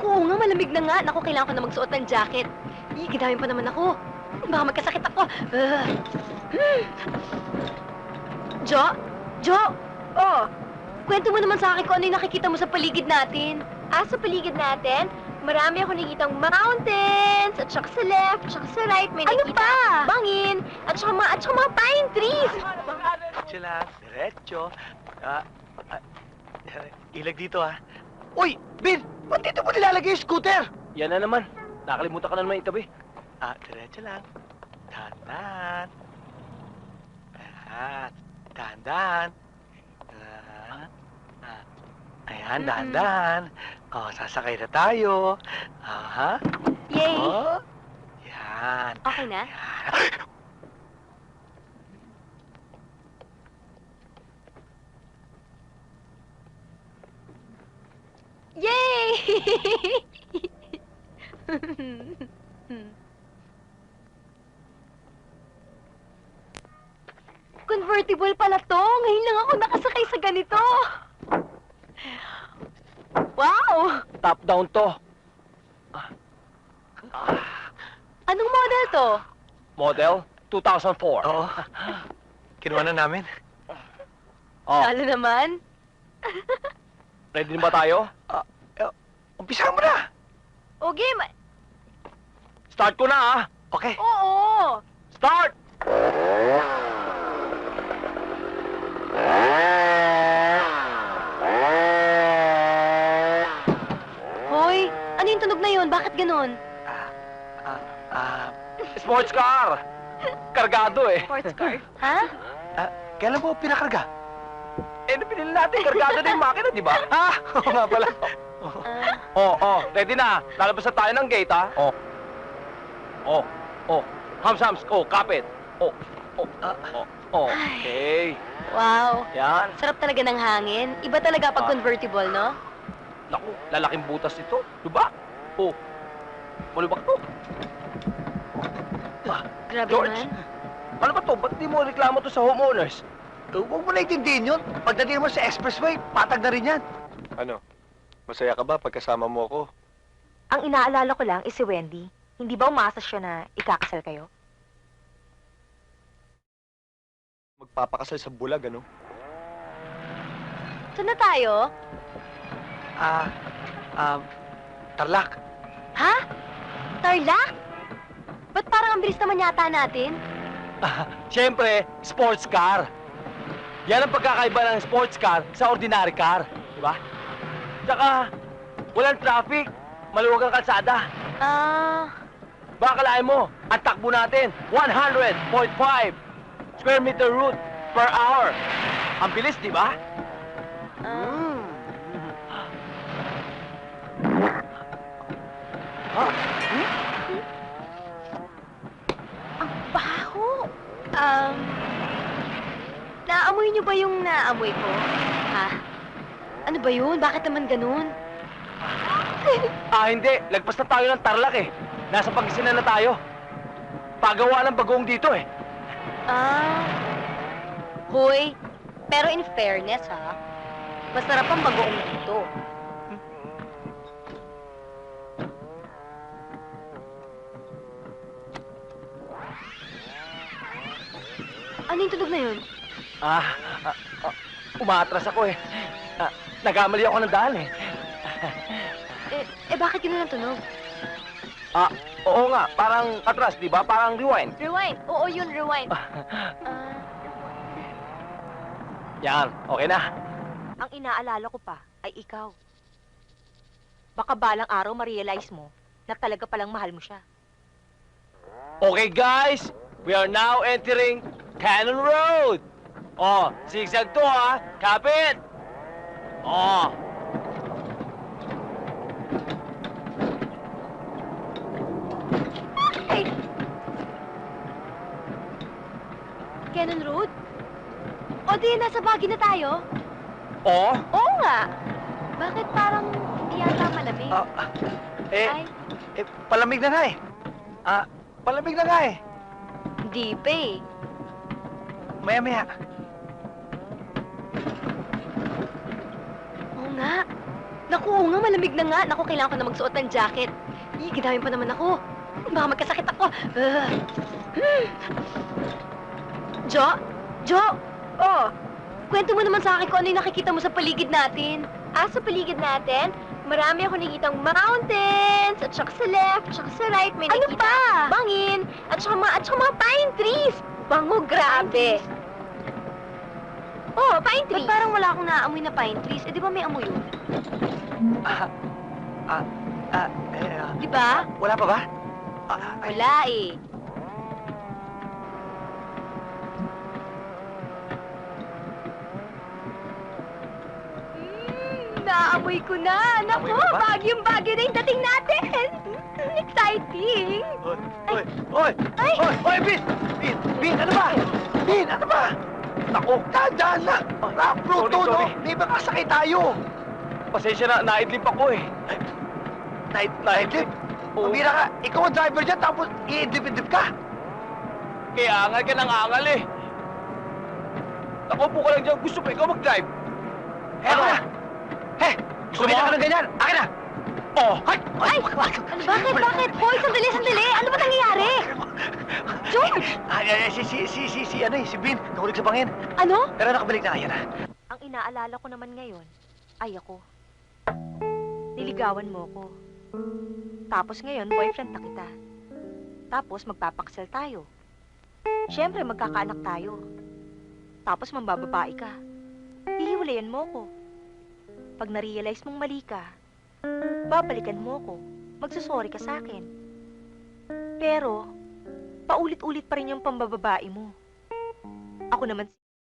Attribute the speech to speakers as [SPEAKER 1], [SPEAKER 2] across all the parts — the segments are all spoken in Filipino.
[SPEAKER 1] Oo nga, malamig na nga. Naku, kailangan ko na magsuot ng jacket. Gidaming pa naman ako. Baka magkasakit ako. Jo? Jo? Oh, kwento mo naman sa akin kung ano yung nakikita mo sa paligid natin. Sa paligid natin? Marami ako nakikitang mountains, at saka sa left, at saka sa right, may nakita. Ano pa? Bangin, at saka mga pine trees.
[SPEAKER 2] Diretso lang, diretso. Ilag dito, ha? Uy, Bin! Ba't dito mo nilalagay yung scooter?
[SPEAKER 3] Yan na naman. Nakalimutan ka na naman itabi.
[SPEAKER 2] Diretso lang. Dahan-dahan. Dahan-dahan. Ayan, dahan-dahan. Sasakay na tayo.
[SPEAKER 1] Yay!
[SPEAKER 2] Yan.
[SPEAKER 1] Okay na? Yay! Convertible pala to. Ngayon lang ako nakasakay sa ganito. Wow!
[SPEAKER 3] Top-down to.
[SPEAKER 1] Anong model to?
[SPEAKER 3] Model 2004.
[SPEAKER 2] Oo. Kinuha na namin.
[SPEAKER 3] Oh,
[SPEAKER 1] Lalo naman.
[SPEAKER 3] ready na ba tayo?
[SPEAKER 2] Umpisa mo na.
[SPEAKER 1] O game.
[SPEAKER 3] Start ko na,
[SPEAKER 2] Okay.
[SPEAKER 1] Oo.
[SPEAKER 3] Start!
[SPEAKER 1] Hoy, ano yung tunog na yun? Bakit ganun?
[SPEAKER 3] Sports car! Kargado eh.
[SPEAKER 1] Sports car. Ha?
[SPEAKER 2] Kailan mo pinakarga?
[SPEAKER 3] Pinili natin, kargado na yung makina, di ba?
[SPEAKER 2] Oo nga pala.
[SPEAKER 3] Ready na. Lalabas na tayo ng gate, ha? Hams, kapit. Okay.
[SPEAKER 1] Wow.
[SPEAKER 3] Yan.
[SPEAKER 1] Sarap talaga ng hangin. Iba talaga pag convertible, no?
[SPEAKER 3] Naku, lalaking butas ito. Diba? Malubak to.
[SPEAKER 1] Grabe
[SPEAKER 3] George.
[SPEAKER 1] naman.
[SPEAKER 3] Ano ba to? Ba't di mo reklamo to sa homeowners?
[SPEAKER 2] Huwag mo naiintindihin yun. Pagdating mo sa expressway, patag na rin yan.
[SPEAKER 4] Ano? Masaya ka ba pagkasama mo ako?
[SPEAKER 5] Ang inaalala ko lang is si Wendy. Hindi ba umasa siya na ikakasal kayo?
[SPEAKER 4] Magpapakasal sa bulag, ano?
[SPEAKER 1] Saan na tayo?
[SPEAKER 2] Tarlac.
[SPEAKER 1] Ha? Tarlac? Ba't parang ang bilis naman yata natin?
[SPEAKER 3] Siyempre, sports car. Yan ang pagkakaiba ng sports car sa ordinary car. Diba? Tsaka, walang traffic. Maluwag ang kalsada. Baka kalahin mo, ang takbo natin, 100.5 square meter route per hour. Ang bilis, di ba?
[SPEAKER 1] Ang baho. Naamoy niyo ba yung naamoy ko? Ha? Ano ba yun? Bakit naman ganun?
[SPEAKER 3] Hindi. Lagpas na tayo ng Tarlac eh. Nasa Pangasinan na tayo. Pagawa ng bagoong dito eh.
[SPEAKER 1] Hoy, pero in fairness ha, masarap ang bagoong dito. Ano yung tunog na yun?
[SPEAKER 3] Umaatras ako eh. Nagkamali ako ng daan eh.
[SPEAKER 1] Bakit yun ang tunog?
[SPEAKER 3] Oo nga. Parang atras, di ba? Parang rewind.
[SPEAKER 1] Rewind. Oo, yun, rewind.
[SPEAKER 3] Yan. Okay na.
[SPEAKER 5] Ang inaalala ko pa ay ikaw. Baka balang araw ma-realize mo na talaga palang mahal mo siya.
[SPEAKER 3] Okay, guys. We are now entering Cannon Road. Zigzag to ha. Kapit.
[SPEAKER 1] Ay! Cannon Road? O di, nasa Baguio na tayo? Oo nga. Bakit parang hindi yata malamig? Ay,
[SPEAKER 2] Palamig na nga eh. Palamig na nga eh.
[SPEAKER 1] hindi pa eh.
[SPEAKER 2] Maya-maya.
[SPEAKER 1] Oo nga. Naku, oo nga, malamig na nga. Naku, kailangan ko na magsuot ng jacket. Ginamit pa naman ako. Baka magkasakit ako. Jo? Jo? Oh, kwento mo naman sa akin kung ano yung nakikita mo sa paligid natin. Sa paligid natin? Marami ako nakikitang mountains, at saka sa left, at saka sa right, may nakita bangin, at saka mga pine trees. Bango, grabe. Oh, pine trees. Ba't parang wala akong naaamoy na pine trees? Eh, di ba may amoy yun? Di ba?
[SPEAKER 2] Wala pa ba?
[SPEAKER 1] Wala eh. Naamoy ko na. Naku,
[SPEAKER 2] Naamoy mo ba?
[SPEAKER 1] bagyong-bagyo na yung dating natin. Exciting.
[SPEAKER 2] Oy, Bin! Bin, ano ba? Bin, ano ba? Naku, tandaan na! Rock road to, no?
[SPEAKER 3] sorry.
[SPEAKER 2] May baka sakay tayo!
[SPEAKER 3] Pasensya na, naidlip ako eh.
[SPEAKER 2] Naidlip?
[SPEAKER 3] Oo.
[SPEAKER 2] Pumira ka, ikaw ang driver dyan, tapos iidlip-idlip ka?
[SPEAKER 3] Kaya angal ka ng angal eh. Nakaupo ka lang dyan, gusto mo ikaw mag-drive.
[SPEAKER 2] Ako na!
[SPEAKER 3] Gusto
[SPEAKER 2] Kumita
[SPEAKER 3] mo?
[SPEAKER 2] ka ng ganyan! Akin na!
[SPEAKER 3] Oh!
[SPEAKER 2] Ay!
[SPEAKER 1] Ano, bakit? Hoy, sandali! Ano ba nangyayari? George!
[SPEAKER 2] Si Bin, nahulog sa bangin.
[SPEAKER 1] Ano?
[SPEAKER 2] Pero nakabalik na kaya na.
[SPEAKER 5] Ang inaalala ko naman ngayon ay ako. Niligawan mo ko. Tapos ngayon, boyfriend na kita. Tapos magpapaksal tayo. Siyempre, magkakaanak tayo. Tapos mambababae ka. Hihiwalayan mo ko. Pag na-realize mong mali ka, babalikan mo ko. Magsusorry ka sa akin. Pero, paulit-ulit pa rin yung pambababae mo. Ako naman,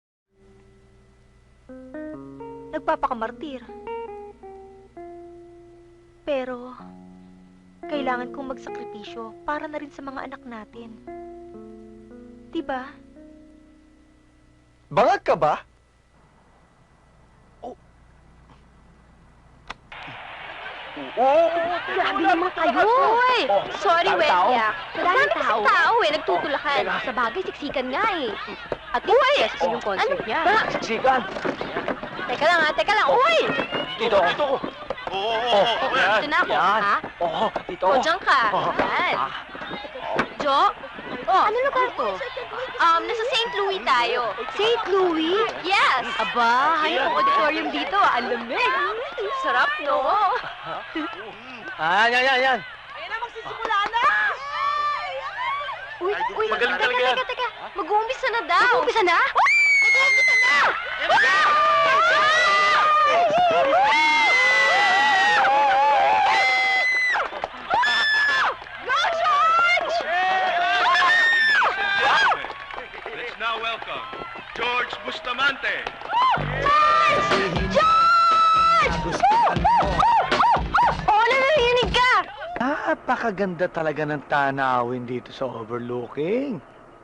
[SPEAKER 5] nagpapakamartir. Pero, kailangan kong magsakripisyo para na rin sa mga anak natin. Diba?
[SPEAKER 4] Bangag ka ba?
[SPEAKER 1] Grabe naman kayo! Hoy!
[SPEAKER 3] Oh,
[SPEAKER 1] Sorry,
[SPEAKER 3] daming tao.
[SPEAKER 1] Wenyak. Madami kasing tao eh, nagtutulakan.
[SPEAKER 3] Teka.
[SPEAKER 1] Sa bagay, siksikan nga eh.
[SPEAKER 5] At least successful yung concert
[SPEAKER 1] Ano
[SPEAKER 5] niya.
[SPEAKER 1] ba?
[SPEAKER 3] Siksikan!
[SPEAKER 1] Teka lang. Uy!
[SPEAKER 3] Dito ako.
[SPEAKER 1] Oh, dito na ako,
[SPEAKER 3] Yan.
[SPEAKER 1] ha?
[SPEAKER 3] Oo, dito.
[SPEAKER 1] O, dyan ka.
[SPEAKER 3] Oh.
[SPEAKER 1] Yan.
[SPEAKER 3] Ah.
[SPEAKER 1] Jo? Oh, ano lugar to? Nasa St. Louis tayo. St. Louis? Yes. Aba, hayop ang auditorium dito. Ang lamig. Sarap, no?
[SPEAKER 3] Yan.
[SPEAKER 1] Uy,
[SPEAKER 3] Magaling talaga yan.
[SPEAKER 1] teka. Mag-uumpisa na daw. Mag-uumpisa na? Mag-uumpisa na! Go, George!
[SPEAKER 6] Let's now welcome George Bustamante.
[SPEAKER 1] George! Oo, narinig ka!
[SPEAKER 2] Napakaganda talaga ng tanawin dito sa overlooking.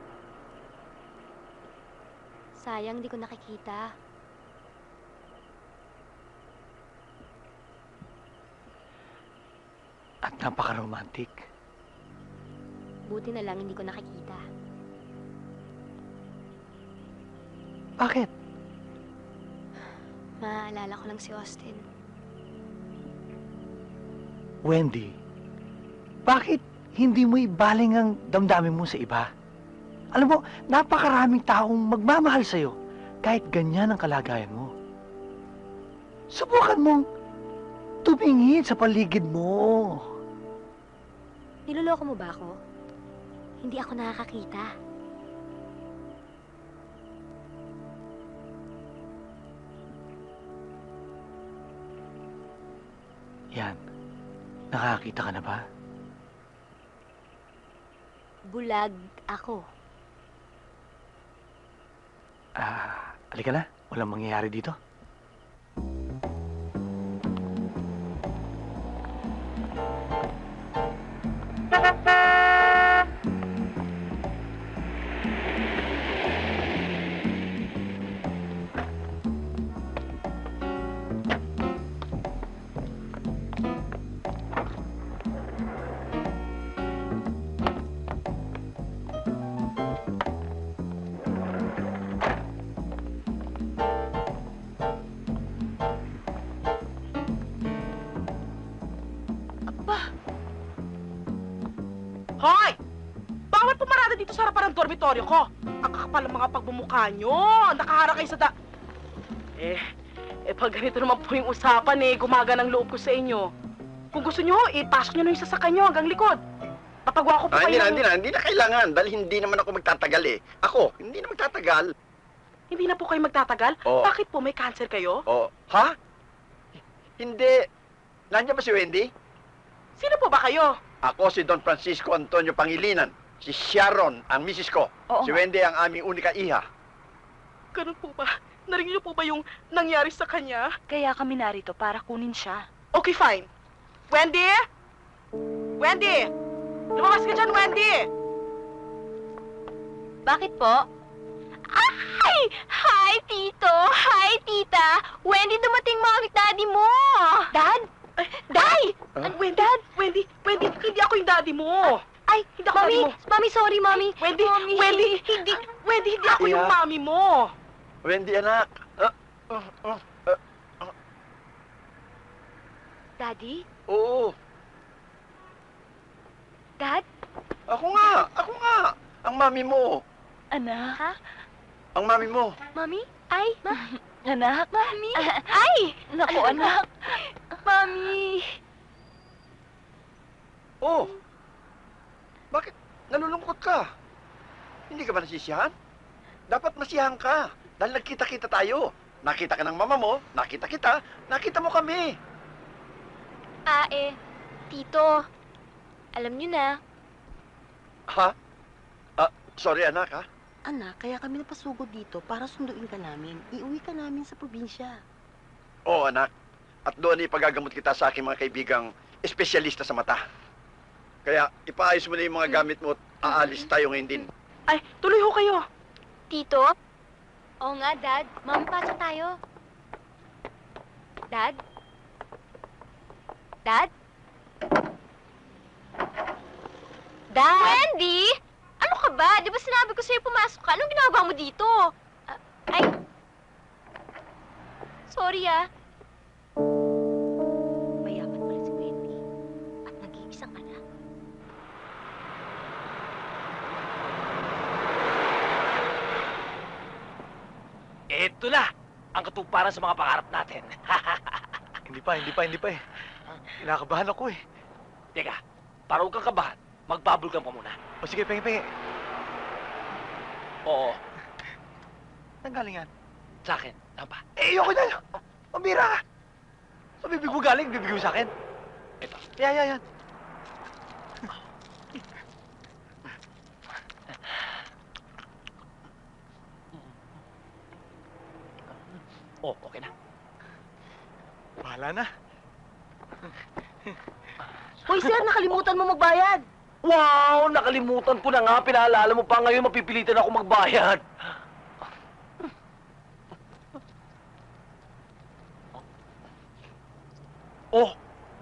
[SPEAKER 1] Sayang, di ko nakikita.
[SPEAKER 2] At napaka-romantic.
[SPEAKER 1] Buti na lang hindi ko nakikita.
[SPEAKER 2] Bakit?
[SPEAKER 1] Maaalala ko lang si Austin.
[SPEAKER 2] Wendy, bakit hindi mo ibaling ang damdamin mo sa iba? Alam mo, napakaraming taong magmamahal sa'yo kahit ganyan ang kalagayan mo. Subukan mong tumingin sa paligid mo.
[SPEAKER 1] Niloloko mo ba ako? Hindi ako nakakakita.
[SPEAKER 2] Yan, nakakita ka na ba?
[SPEAKER 1] Bulag ako.
[SPEAKER 2] Halika na. Walang mangyayari dito.
[SPEAKER 7] Hoy! Bawal pumarada dito sa harapan ng dormitoryo ko. Ang kakapal ng mga pagbumukha nyo. Nakahara kayo sa pag ganito naman po yung usapan gumagana ang loob ko sa inyo. Kung gusto nyo, ipasok nyo na yung sasakyan nyo hanggang likod. Papagawa ko po kayo
[SPEAKER 8] Hindi na kailangan. Dahil hindi naman ako magtatagal eh. Ako, hindi na magtatagal.
[SPEAKER 7] Hindi na po kayo magtatagal?
[SPEAKER 8] Oo.
[SPEAKER 7] Bakit po? May cancer kayo?
[SPEAKER 8] Oh, ha? Hindi. Nandiyan ba si Wendy?
[SPEAKER 7] Sino po ba kayo?
[SPEAKER 8] Ako si Don Francisco Antonio Pangilinan. Si Sharon, ang misis ko.
[SPEAKER 5] Oo
[SPEAKER 8] Si
[SPEAKER 5] nga.
[SPEAKER 8] Wendy ang aming unika iha.
[SPEAKER 7] Ganun po ba? Narinig niyo po ba yung nangyari sa kanya?
[SPEAKER 5] Kaya kami narito para kunin siya.
[SPEAKER 7] Okay, fine. Wendy? Wendy! Lumabas ka dyan, Wendy!
[SPEAKER 1] Bakit po? Ay! Hi, Tito! Hi, Tita! Wendy, dumating mami at daddy mo! Dad? Day!
[SPEAKER 7] Wendy, hindi ako yung daddy mo.
[SPEAKER 1] Ay,
[SPEAKER 7] Hindi ako
[SPEAKER 1] Mami!
[SPEAKER 7] daddy mo.
[SPEAKER 1] Mami, sorry, Mami!
[SPEAKER 7] Wendy,
[SPEAKER 1] Mami.
[SPEAKER 7] Wendy, hindi ako yung
[SPEAKER 8] Iya.
[SPEAKER 7] mami mo.
[SPEAKER 8] Wendy, anak.
[SPEAKER 1] Daddy?
[SPEAKER 8] Oo.
[SPEAKER 1] Dad?
[SPEAKER 8] Ako nga. Ang mami mo.
[SPEAKER 5] Anak?
[SPEAKER 1] Ha?
[SPEAKER 8] Ang mami mo.
[SPEAKER 1] Mami? Ay!
[SPEAKER 5] Anak?
[SPEAKER 1] Mami! Ay!
[SPEAKER 5] Naku, anak.
[SPEAKER 1] Mami!
[SPEAKER 8] Oh. Bakit nalulungkot ka? Hindi ka ba nasisiyahan? Dapat masiyahan ka. Dahil nagkita-kita tayo. Nakita ka ng mama mo, nakita kita, nakita mo kami.
[SPEAKER 1] Tito. Alam niyo na.
[SPEAKER 8] Ha? Sorry anak ha.
[SPEAKER 9] Anak, kaya kami napasugod dito para sunduin ka namin. Iuwi ka namin sa probinsya.
[SPEAKER 8] Oo anak. At doon ipagagamot kita sa aking mga kaibigang espesyalista sa mata. Kaya ipaayos mo na yung mga gamit mo at aalis tayo ngayon din.
[SPEAKER 7] Ay, tuloy ho kayo.
[SPEAKER 1] Tito? Oo nga, Dad. Mami, pasok tayo. Dad? Dad? Dad? Wendy! Ano ka ba? Di ba sinabi ko sa'yo pumasok ka? Anong ginagawa mo dito? Ay! Sorry, Mayaman pala si Wendy. At nag-iisang anak.
[SPEAKER 3] Eto na! Ang katuparan sa mga pangarap natin.
[SPEAKER 2] Hindi pa eh. Kinakabahan ako eh.
[SPEAKER 3] Teka, para huwag kang kabahan, magbubble gum ka muna.
[SPEAKER 2] O sige, pengi.
[SPEAKER 3] Oo,
[SPEAKER 2] Saan galing yan?
[SPEAKER 3] sa akin. Tama ba?
[SPEAKER 2] Ayoko na. Pambira ka. Sa bibig mo galing, bibig mo sa akin.
[SPEAKER 3] Ito.
[SPEAKER 2] Yan.
[SPEAKER 3] Oh, okay na.
[SPEAKER 2] Bahala na.
[SPEAKER 5] Hoy, sir, nakalimutan mo magbayad.
[SPEAKER 3] Wow! Nakalimutan ko na nga. Pinaalala mo pa ngayon, mapipilitan ako magbayad. Oh!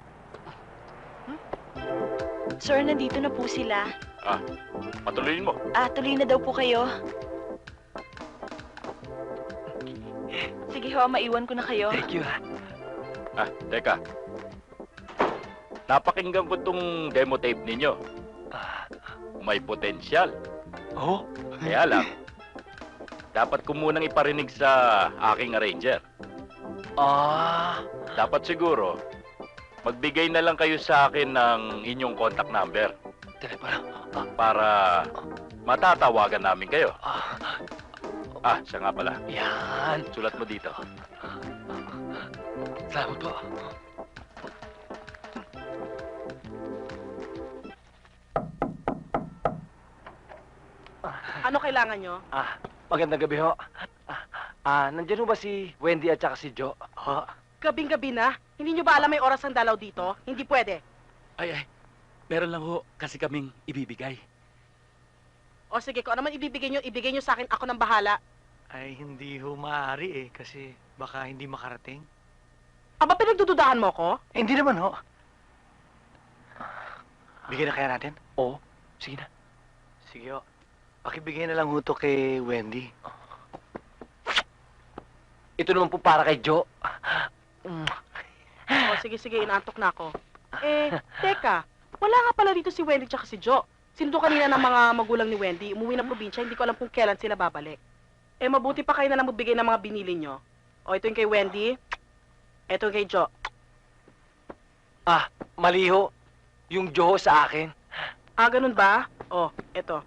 [SPEAKER 5] Sir, nandito na po sila.
[SPEAKER 6] Patuloyin mo.
[SPEAKER 5] Tuloy na daw po kayo. Sige ho, maiwan ko na kayo.
[SPEAKER 3] Thank you,
[SPEAKER 6] Teka. Napakinggan ko tong demo tape ninyo. May potensyal.
[SPEAKER 2] Oh?
[SPEAKER 6] Kaya lang, dapat ko munang iparinig sa aking arranger. Dapat siguro, magbigay na lang kayo sa akin ng inyong contact number
[SPEAKER 3] Telepono.
[SPEAKER 6] para matatawagan namin kayo. Siya nga pala.
[SPEAKER 3] Yan.
[SPEAKER 6] Sulat mo dito.
[SPEAKER 3] Salamat po.
[SPEAKER 7] Ano kailangan nyo?
[SPEAKER 3] Magandang gabi ho. Nandiyan ho ba si Wendy at saka si Joe?
[SPEAKER 7] Gabing-gabi na. Hindi nyo ba alam may oras ang dalaw dito? Hindi pwede.
[SPEAKER 10] Ay, meron lang ho kasi kaming ibibigay.
[SPEAKER 7] O sige, kung ano man ibibigay nyo sa akin. Ako nang bahala.
[SPEAKER 2] Ay, hindi ho maaari eh. Kasi baka hindi makarating.
[SPEAKER 7] Aba, pinagdududahan mo ko?
[SPEAKER 2] Hindi naman ho. Bigyan na kaya natin?
[SPEAKER 3] Oo. Sige na.
[SPEAKER 2] Sige ho. Pakibigay na lang ho to kay Wendy.
[SPEAKER 3] Ito naman po para kay Joe.
[SPEAKER 7] O sige, inaantok na ako. Teka. Wala nga pala dito si Wendy tsaka si Jo. Sinundo kanina ng mga magulang ni Wendy. Umuwi ng probinsya, hindi ko alam kung kailan sila babalik. Mabuti pa kayo na lang magbigay ng mga binili nyo. O, ito yung kay Wendy. Ito yung kay Jo.
[SPEAKER 3] Maliho. Yung Joho sa akin.
[SPEAKER 7] Ganun ba? O, ito.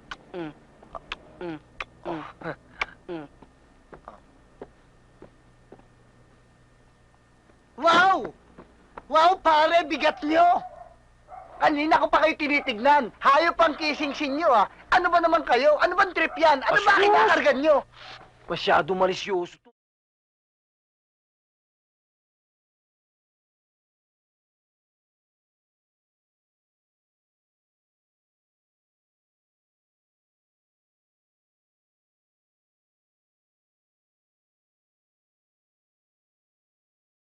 [SPEAKER 2] Wow! Wow, pare, bigat nyo! Kanina ko pa kayo tinitignan. Hayop ang kissing-sin nyo, ah. Ano ba naman kayo? Ano bang trip yan? Ano ba kinakargan nyo?
[SPEAKER 3] Masyado malisyoso to.